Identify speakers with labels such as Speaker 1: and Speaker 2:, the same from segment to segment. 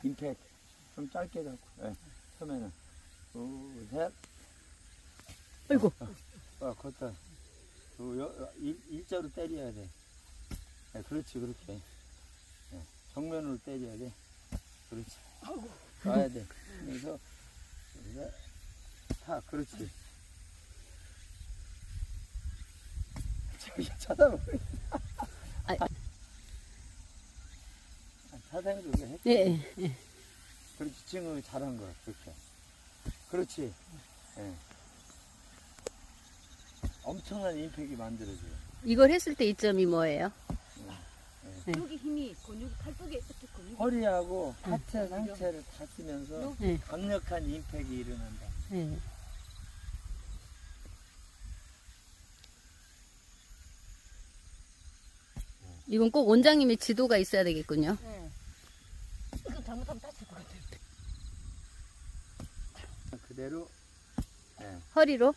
Speaker 1: 임팩 좀 짧게 잡고. 예. 처음에는 둘, 셋.
Speaker 2: 아이고.
Speaker 1: 걷다. 일자로 때려야 돼. 예, 그렇지, 그렇게. 예, 정면으로 때려야 돼. 그렇지. 가야 돼. 그래서 타, 그렇지. 저기 쳐다보고. 사장님도 그래 했지.
Speaker 2: 예, 예.
Speaker 1: 그렇지, 지금 잘한 거야, 그렇게. 그렇지. 예. 엄청난 임팩이 만들어져요.
Speaker 2: 이걸 했을 때 이점이 뭐예요? 네.
Speaker 3: 여기 힘이 근육 팔뚝에 이렇게 근육.
Speaker 1: 허리하고 하체 상체를 다 쓰면서
Speaker 2: 네.
Speaker 1: 강력한 임팩이 일어난다.
Speaker 2: 예. 이건 꼭 원장님의 지도가 있어야 되겠군요.
Speaker 3: 네. 이거 잘못하면 다칠 것 같아요.
Speaker 1: 그대로. 예.
Speaker 2: 허리로.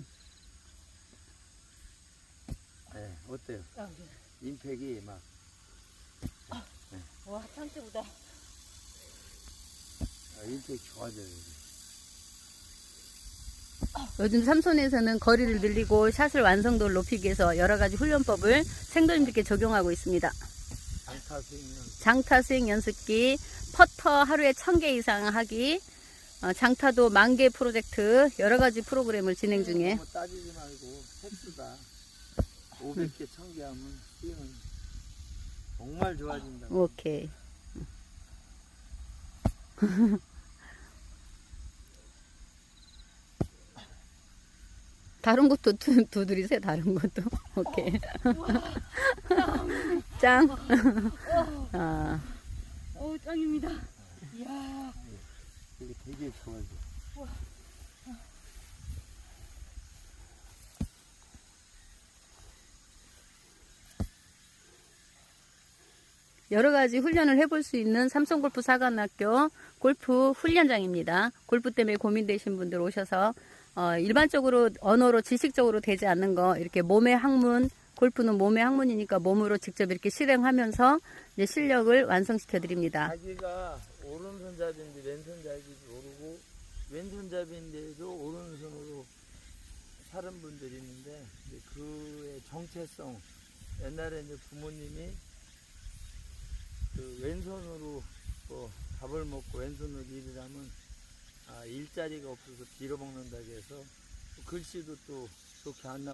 Speaker 1: 예. 어때요?
Speaker 3: 아, 네.
Speaker 1: 임팩이 막.
Speaker 3: 와, 상체보다.
Speaker 1: 임팩이 좋아져요.
Speaker 2: 요즘 삼손에서는 거리를 늘리고 샷을 완성도를 높이기 위해서 여러 가지 훈련법을 생도님들께 적용하고 있습니다.
Speaker 1: 장타 스윙은
Speaker 2: 장타 스윙 연습기, 퍼터 하루에 1000개 이상 하기, 장타도 10,000개 프로젝트, 여러 가지 프로그램을 진행 중에.
Speaker 1: 너무 따지지 말고 횟수다. 500개, 1000개 하면 스윙은 정말 좋아진다.
Speaker 2: 오케이. 다른 것도 두드리세요. 다른 것도. 오케이. 짱. 아,
Speaker 3: 짱입니다. 이야.
Speaker 1: 이게 되게 좋아져.
Speaker 2: 여러 가지 훈련을 해볼 수 있는 삼성골프 사관학교 골프 훈련장입니다. 골프 때문에 고민되신 분들 오셔서 일반적으로 언어로 지식적으로 되지 않는 거 이렇게 몸의 학문, 골프는 몸의 학문이니까 몸으로 직접 이렇게 실행하면서 이제 실력을 완성시켜 드립니다.
Speaker 1: 자기가 오른손잡이인데 왼손잡이도 모르고 왼손잡이인데도 오른손으로 사는 분들이 있는데 이제 그의 정체성, 옛날에 이제 부모님이 그 왼손으로 뭐 밥을 먹고 왼손으로 일을 하면 일자리가 없어서 빌어먹는다고 해서 글씨도 또 좋게 안 나오고